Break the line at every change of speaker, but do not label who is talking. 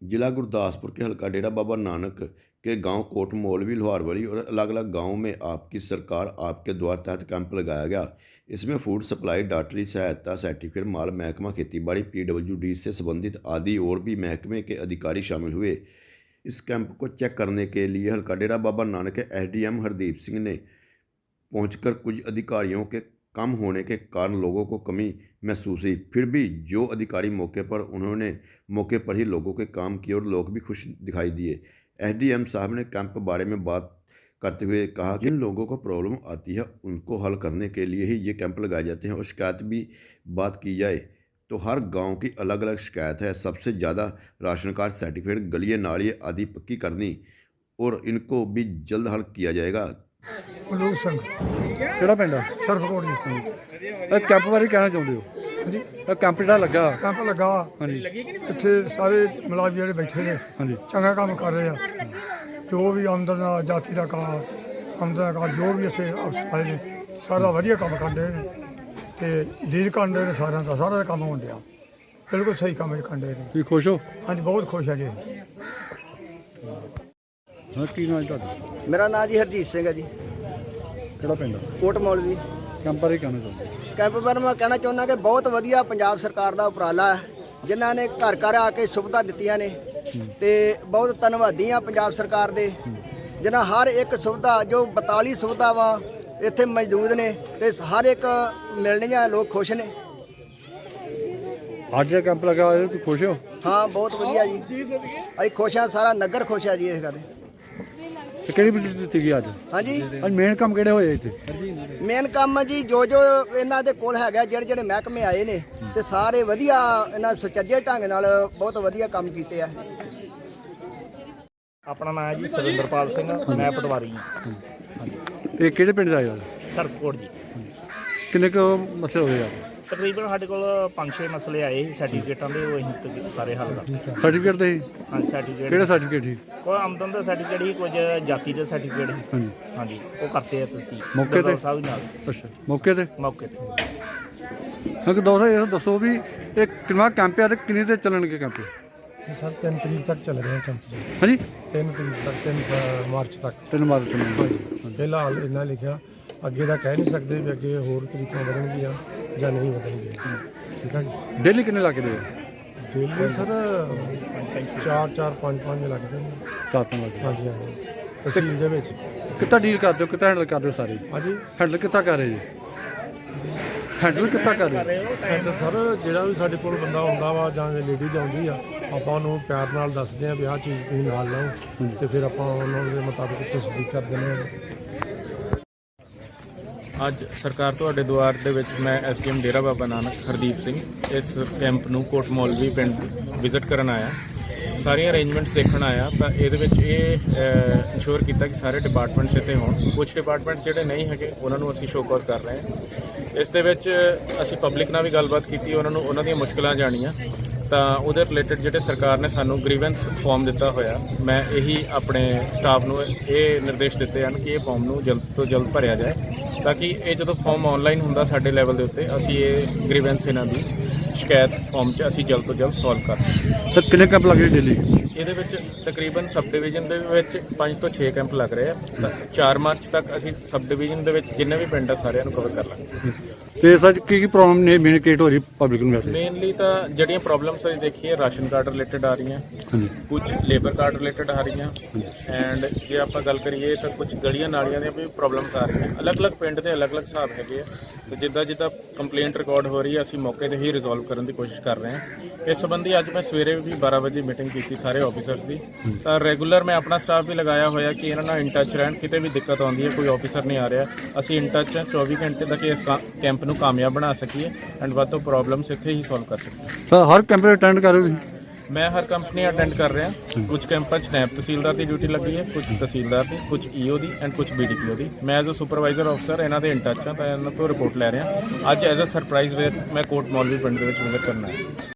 जिला गुरदासपुर के हल्का डेरा बाबा नानक के गांव कोट मौलवी लोहारवाली और अलग अलग गांवों में आपकी सरकार आपके द्वार तहत कैंप लगाया गया। इसमें फूड सप्लाई, डॉक्टरी सहायता सर्टिफिकेट, माल महकमा खेतीबाड़ी, PWD से संबंधित आदि और भी महकमे के अधिकारी शामिल हुए। इस कैंप को चेक करने के लिए हल्का डेरा बाबा नानक के SDM हरदीप सिंह ने पहुंचकर कुछ अधिकारियों के कम होने के कारण लोगों को कमी महसूस हुई। फिर भी जो अधिकारी मौके पर, उन्होंने मौके पर ही लोगों के काम किए और लोग भी खुश दिखाई दिए। SDM साहब ने कैंप बारे में बात करते हुए कहा कि जिन लोगों को प्रॉब्लम आती है उनको हल करने के लिए ही ये कैंप लगाए जाते हैं। और शिकायत भी बात की जाए तो हर गांव की अलग अलग शिकायत है। सबसे ज़्यादा राशन कार्ड, सर्टिफिकेट, गलियाँ नालियाँ आदि पक्की करनी और इनको भी जल्द हल किया जाएगा।
ਮਲੂਕ ਸਿੰਘ
ਕਿਹੜਾ ਪਿੰਡ ਆ?
ਸਰਫਕੋਟ ਜੀ।
ਇਹ ਕੈਂਪ ਬਾਰੇ ਕਹਿਣਾ ਚਾਹੁੰਦੇ ਹੋ?
ਹਾਂਜੀ,
ਇਹ ਕੈਂਪ ਜਿਹੜਾ ਲੱਗਾ,
ਕੈਂਪ ਲੱਗਾ ਵਾ।
ਹਾਂਜੀ
ਇੱਥੇ ਸਾਰੇ ਮੁਲਾਜ਼ਮ ਜਿਹੜੇ ਬੈਠੇ ਨੇ
ਹਾਂਜੀ
ਚੰਗਾ ਕੰਮ ਕਰ ਰਹੇ ਆ। ਜੋ ਵੀ ਆਮਦਨ ਦਾ, ਜਾਤੀ ਦਾ ਕੰਮ, ਆਮਦਨ ਦਾ ਕੰਮ, ਜੋ ਵੀ ਇੱਥੇ ਅਫਸਰ ਨੇ ਸਾਰਾ ਵਧੀਆ ਕੰਮ ਕਰਦੇ ਨੇ ਤੇ ਦੀਦ ਕਰਦੇ ਨੇ। ਸਾਰਿਆਂ ਦਾ ਸਾਰਾ ਕੰਮ ਹੋਣ ਡਿਆ, ਬਿਲਕੁਲ ਸਹੀ ਕੰਮ ਕਰਦੇ ਨੇ।
ਤੁਸੀਂ ਖੁਸ਼ ਹੋ?
ਹਾਂਜੀ, ਬਹੁਤ ਖੁਸ਼ ਆ ਜੀ।
ਹਾਂ, ਕੀ ਨਾਮ ਤੁਹਾਡਾ?
ਮੇਰਾ ਨਾਮ ਜੀ ਹਰਜੀਤ ਸਿੰਘ ਹੈ ਜੀ,
ਕਿਹੜਾ ਪਿੰਡ ਆ?
ਕੋਟ ਮੌਲਵੀ।
ਕੈਂਪ ਬਾਰੇ ਕਹਿਣਾ ਚਾਹੁੰਦੇ ਹੋ?
ਕੈਂਪ ਬਾਰੇ ਮੈਂ ਕਹਿਣਾ ਚਾਹੁੰਦਾ ਕਿ ਬਹੁਤ ਵਧੀਆ ਪੰਜਾਬ ਸਰਕਾਰ ਦਾ ਉਪਰਾਲਾ ਹੈ, ਜਿਨ੍ਹਾਂ ਨੇ ਘਰ ਘਰ ਆ ਕੇ ਸੁਵਿਧਾ ਦਿੱਤੀਆਂ ਨੇ ਤੇ ਬਹੁਤ ਧੰਨਵਾਦੀ ਹਾਂ ਪੰਜਾਬ ਸਰਕਾਰ ਦੇ, ਜਿਨ੍ਹਾਂ ਹਰ ਇੱਕ ਸੁਵਿਧਾ, ਜੋ 42 ਸੁਵਿਧਾਵਾਂ ਇੱਥੇ ਮੌਜੂਦ ਨੇ ਤੇ ਹਰ ਇੱਕ ਮਿਲਣੀਆਂ, ਲੋਕ ਖੁਸ਼ ਨੇ।
ਅੱਜ ਜਿਹੜਾ ਕੈਂਪ ਲੱਗਾ ਹੋਇਆ, ਤੁਸੀਂ ਖੁਸ਼ ਹੋ?
ਹਾਂ, ਬਹੁਤ ਵਧੀਆ ਜੀ, ਅਸੀਂ ਖੁਸ਼ ਹਾਂ, ਸਾਰਾ ਨਗਰ ਖੁਸ਼ ਹੈ ਜੀ ਇਸ ਗੱਲ।
ਤੇ ਕਿਹੜੀ ਬਿਜਲੀ ਦਿੱਤੀ ਗਈ ਅੱਜ?
ਹਾਂਜੀ,
ਅੱਜ ਮੇਨ ਕੰਮ ਕਿਹੜੇ ਹੋਏ ਇੱਥੇ?
ਮੇਨ ਕੰਮ ਜੀ ਜੋ ਇਹਨਾਂ ਦੇ ਕੋਲ ਹੈਗਾ, ਜਿਹੜੇ ਜਿਹੜੇ ਮਹਿਕਮੇ ਆਏ ਨੇ ਤੇ ਸਾਰੇ ਵਧੀਆ, ਇਹਨਾਂ ਸੁਚੱਜੇ ਢੰਗ ਨਾਲ ਬਹੁਤ ਵਧੀਆ ਕੰਮ ਕੀਤੇ ਆ।
ਆਪਣਾ ਨਾਮ ਹੈ ਜੀ ਸੁਰਿੰਦਰਪਾਲ ਸਿੰਘ, ਮੈਂ ਪਟਵਾਰੀ ਹਾਂ।
ਇਹ ਕਿਹੜੇ ਪਿੰਡ ਦਾ ਆਇਆ?
ਸਰਫਕੋਟ ਜੀ।
ਕਿੰਨੇ ਕੁ ਮਸਲੇ ਹੋਏ ਆ?
ਤਕਰੀਬਨ ਸਾਡੇ ਕੋਲ 5-6 ਮਸਲੇ ਆਏ ਸੀ ਸਰਟੀਫਿਕੇਟਾਂ ਦੇ, ਉਹ ਅਸੀਂ ਸਾਰੇ ਹੱਲ ਕਰਦੇ।
ਸਰਟੀਫਿਕੇਟ ਦੇ ਸੀ?
ਹਾਂਜੀ, ਸਰਟੀਫਿਕੇਟ।
ਕਿਹੜਾ ਸਰਟੀਫਿਕੇਟ ਸੀ?
ਕੋਈ ਆਮਦਨ ਦਾ ਸਰਟੀਫਿਕੇਟ ਸੀ, ਕੁਝ ਜਾਤੀ ਦੇ ਸਰਟੀਫਿਕੇਟ ਸੀ।
ਹਾਂਜੀ
ਹਾਂਜੀ, ਉਹ ਕਰਤੇ ਆ ਤੁਸੀਂ
ਮੌਕੇ ਤੇ?
ਸਾਹਿਬ ਨਾਲ
ਅੱਛਾ, ਮੌਕੇ ਤੇ?
ਮੌਕੇ ਤੇ।
ਹਾਂ, ਕਿ ਦੋਸਤੋ ਇਹ ਦੱਸੋ ਵੀ ਇਹ ਕਿੰਨਾ ਕੈਂਪ ਆ ਤੇ ਕਿੰਨੇ ਤੇ ਚੱਲਣਗੇ ਕੈਂਪ?
ਸਰ 3 ਤਰੀਕ ਤੱਕ ਚੱਲ ਰਿਹਾ ਕੈਂਪ।
ਹਾਂਜੀ,
3 ਤਰੀਕ ਤੱਕ, 3 ਮਾਰਚ ਤੱਕ।
3 ਮਾਰਚ ਨੂੰ।
ਫਿਲਹਾਲ ਇੰਨਾ ਲਿਖਿਆ, ਅੱਗੇ ਦਾ ਕਹਿ ਨਹੀਂ ਸਕਦੇ ਵੀ ਅੱਗੇ ਹੋਰ ਤਰੀਕਾਂ ਵਧਣਗੀਆਂ ਜਾਂ ਨਹੀਂ ਵਧਣਗੀਆਂ। ਠੀਕ ਹੈ ਜੀ।
ਡੇਲੀ ਕਿੰਨੇ ਲੱਗਦੇ ਆ?
ਡੇਲੀ ਸਰ 4-4, 5-5 ਲੱਗਦੇ ਨੇ।
4-5 ਲੱਗਦੇ।
ਹਾਂਜੀ ਹਾਂਜੀ, ਤਹਿਸੀਲ ਦੇ ਵਿੱਚ।
ਕਿੱਦਾਂ ਡੀਲ ਕਰਦੇ ਹੋ, ਕਿੱਦਾਂ ਹੈਂਡਲ ਕਰਦੇ ਹੋ ਸਾਰੇ?
ਹਾਂਜੀ,
ਹੈਂਡਲ ਕਿੱਦਾਂ ਕਰ ਰਹੇ ਜੀ? ਹੈਂਡਲ ਕਿੱਦਾਂ ਕਰ ਰਹੇ ਹੋ?
ਐਂਡ ਸਰ ਜਿਹੜਾ ਵੀ ਸਾਡੇ ਕੋਲ ਬੰਦਾ ਆਉਂਦਾ ਵਾ ਜਾਂ ਲੇਡੀਜ਼ ਆਉਂਦੀ ਆ, ਆਪਾਂ ਉਹਨੂੰ ਪਿਆਰ ਨਾਲ ਦੱਸਦੇ ਆ ਵੀ ਆਹ ਚੀਜ਼ ਤੁਸੀਂ ਨਾਲ ਲਓ ਤੇ ਫਿਰ ਆਪਾਂ ਉਹਨਾਂ ਦੇ ਮੁਤਾਬਿਕ ਤਸਦੀਕ ਕਰ ਦਿੰਦੇ ਹਾਂ।
ਅੱਜ ਸਰਕਾਰ ਤੁਹਾਡੇ ਦੁਆਰ ਦੇ ਵਿੱਚ ਮੈਂ SDM ਡੇਰਾ ਬਾਬਾ ਨਾਨਕ ਹਰਦੀਪ ਸਿੰਘ ਇਸ ਕੈਂਪ ਨੂੰ ਕੋਟ ਮੌਲਵੀ ਪਿੰਡ ਵਿਜ਼ਿਟ ਕਰਨ ਆਇਆ। ਸਾਰੀਆਂ ਅਰੇਂਜਮੈਂਟਸ ਦੇਖਣ ਆਇਆ ਤਾਂ ਇਹਦੇ ਵਿੱਚ ਇਹ ਇੰਸ਼ੋਰ ਕੀਤਾ ਕਿ ਸਾਰੇ ਡਿਪਾਰਟਮੈਂਟਸ ਇੱਥੇ ਹੋਣ। ਕੁਝ ਡਿਪਾਰਟਮੈਂਟਸ ਜਿਹੜੇ ਨਹੀਂ ਹੈਗੇ ਉਹਨਾਂ ਨੂੰ ਅਸੀਂ ਸ਼ੋਅ ਕਾਜ਼ ਕਰ ਰਹੇ ਹਾਂ। ਇਸ ਦੇ ਵਿੱਚ ਅਸੀਂ ਪਬਲਿਕ ਨਾਲ ਵੀ ਗੱਲਬਾਤ ਕੀਤੀ, ਉਹਨਾਂ ਨੂੰ ਉਹਨਾਂ ਦੀਆਂ ਮੁਸ਼ਕਲਾਂ ਜਾਣੀਆਂ ਤਾਂ ਉਹਦੇ ਰਿਲੇਟਡ ਜਿਹੜੇ ਸਰਕਾਰ ਨੇ ਸਾਨੂੰ ਗ੍ਰੀਵੈਂਸ ਫਾਰਮ ਦਿੱਤਾ ਹੋਇਆ, ਮੈਂ ਇਹੀ ਆਪਣੇ ਸਟਾਫ ਨੂੰ ਇਹ ਨਿਰਦੇਸ਼ ਦਿੱਤੇ ਹਨ ਕਿ ਇਹ ਫਾਰਮ ਨੂੰ ਜਲਦ ਤੋਂ ਜਲਦ ਭਰਿਆ ਜਾਏ ਤਾਂ ਕਿ ਇਹ ਜਦੋਂ ਫਾਰਮ ਆਨਲਾਈਨ ਹੁੰਦਾ ਸਾਡੇ ਲੈਵਲ ਦੇ ਉੱਤੇ, ਅਸੀਂ ਇਹ ਗ੍ਰੀਵੈਂਸ ਇਹਨਾਂ ਦੀ ਸ਼ਿਕਾਇਤ ਫਾਰਮ 'ਚ ਅਸੀਂ ਜਲਦ ਤੋਂ ਜਲਦ ਸੋਲਵ ਕਰ ਸਕੀਏ।
ਸਰ ਕਿੰਨੇ ਕੈਂਪ ਲੱਗ ਰਹੇ ਡੇਲੀ? ਇਹਦੇ
ਵਿੱਚ ਤਕਰੀਬਨ ਸਬ ਡਿਵੀਜ਼ਨ ਦੇ ਵਿੱਚ 5 ਤੋਂ 6 ਕੈਂਪ ਲੱਗ ਰਹੇ ਆ ਤਾਂ 4 ਮਾਰਚ ਤੱਕ ਅਸੀਂ ਸਬ ਡਿਵੀਜ਼ਨ ਦੇ ਵਿੱਚ ਜਿੰਨੇ ਵੀ ਪਿੰਡ ਆ ਸਾਰਿਆਂ ਨੂੰ ਕਵਰ ਕਰ ਲਾਂਗੇ।
ਤੇ ਸਰ ਕੀ ਪ੍ਰੋਬਲਮ ਨੇ ਮੇਨ ਕ੍ਰੀਏਟ ਹੋ ਰਹੀ ਪਬਲਿਕ ਨੂੰ? ਵੈਸੇ
ਮੇਨਲੀ ਤਾਂ ਜਿਹੜੀਆਂ ਪ੍ਰੋਬਲਮਸ ਅਸੀਂ ਦੇਖੀਏ, ਰਾਸ਼ਨ ਕਾਰਡ ਰਿਲੇਟਡ ਆ ਰਹੀਆਂ, ਕੁਝ ਲੇਬਰ ਕਾਰਡ ਰਿਲੇਟਡ ਆ ਰਹੀਆਂ ਐਂਡ ਜੇ ਆਪਾਂ ਗੱਲ ਕਰੀਏ ਤਾਂ ਕੁਝ ਗਲੀਆਂ ਨਾਲੀਆਂ ਦੀਆਂ ਵੀ ਪ੍ਰੋਬਲਮਸ ਆ ਰਹੀਆਂ। ਅਲੱਗ-ਅਲੱਗ ਪਿੰਡ ਦੇ ਅਲੱਗ-ਅਲੱਗ ਹਿਸਾਬ ਹੈਗੇ ਆ ਤੇ ਜਿੱਦਾਂ ਕੰਪਲੇਂਟ ਰਿਕਾਰਡ ਹੋ ਰਹੀ ਹੈ ਅਸੀਂ ਮੌਕੇ 'ਤੇ ਹੀ ਰਿਜ਼ੋਲਵ ਕਰਨ ਦੀ ਕੋਸ਼ਿਸ਼ ਕਰ ਰਹੇ ਹਾਂ। ਇਸ ਸੰਬੰਧੀ ਅੱਜ ਮੈਂ ਸਵੇਰੇ ਵੀ 12 ਵਜੇ ਮੀਟਿੰਗ ਕੀਤੀ ਸਾਰੇ ਆਫੀਸਰਸ ਦੀ, ਤਾਂ ਰੈਗੂਲਰ ਮੈਂ ਆਪਣਾ ਸਟਾਫ ਵੀ ਲਗਾਇਆ ਹੋਇਆ ਕਿ ਇਹਨਾਂ ਨਾਲ ਇਨ ਟੱਚ ਰਹਿਣ। ਕਿਤੇ ਵੀ ਦਿੱਕਤ ਆਉਂਦੀ ਹੈ, ਕੋਈ ਆਫੀਸਰ ਨਹੀਂ ਆ ਰਿਹਾ, ਅਸੀਂ ਇਨ ਟੱਚ 24 ਘੰਟੇ ਤੱਕ ਇਸ ਕੈਂਪ ਨੂੰ ਕਾਮਯਾਬ ਬਣਾ ਸਕੀਏ ਐਂਡ ਵੱਧ ਤੋਂ ਪ੍ਰੋਬਲਮਸ ਇੱਥੇ ਹੀ ਸੋਲਵ ਕਰ ਸਕੀਏ।
ਸਰ ਹਰ ਕੈਂਪ ਅਟੈਂਡ ਕਰ ਰਹੇ ਹੋ ਤੁਸੀਂ?
ਮੈਂ ਹਰ ਕੰਪਨੀ ਅਟੈਂਡ ਕਰ ਰਿਹਾ। ਕੁਝ ਕੈਂਪਾਂ 'ਚ ਨਾਇਬ ਤਹਿਸੀਲਦਾਰ ਦੀ ਡਿਊਟੀ ਲੱਗੀ ਹੈ, ਕੁਝ ਤਹਿਸੀਲਦਾਰ ਦੀ, ਕੁਝ EO ਦੀ ਐਂਡ ਕੁਝ BDPO ਦੀ। ਮੈਂ ਐਜ਼ ਅ ਸੁਪਰਵਾਈਜ਼ਰ ਅਫਸਰ ਇਹਨਾਂ ਦੇ ਇਨ ਟੱਚ ਹਾਂ ਤਾਂ ਇਹਨਾਂ ਤੋਂ ਰਿਪੋਰਟ ਲੈ ਰਿਹਾ। ਅੱਜ ਐਜ਼ ਅ ਸਰਪ੍ਰਾਈਜ਼ ਵੇ ਮੈਂ ਕੋਟ ਮੌਲਵੀ ਪਿੰਡ ਦੇ ਵਿੱਚ ਵਿਜ਼ਿਟ ਕਰਨਾ ਹੈ।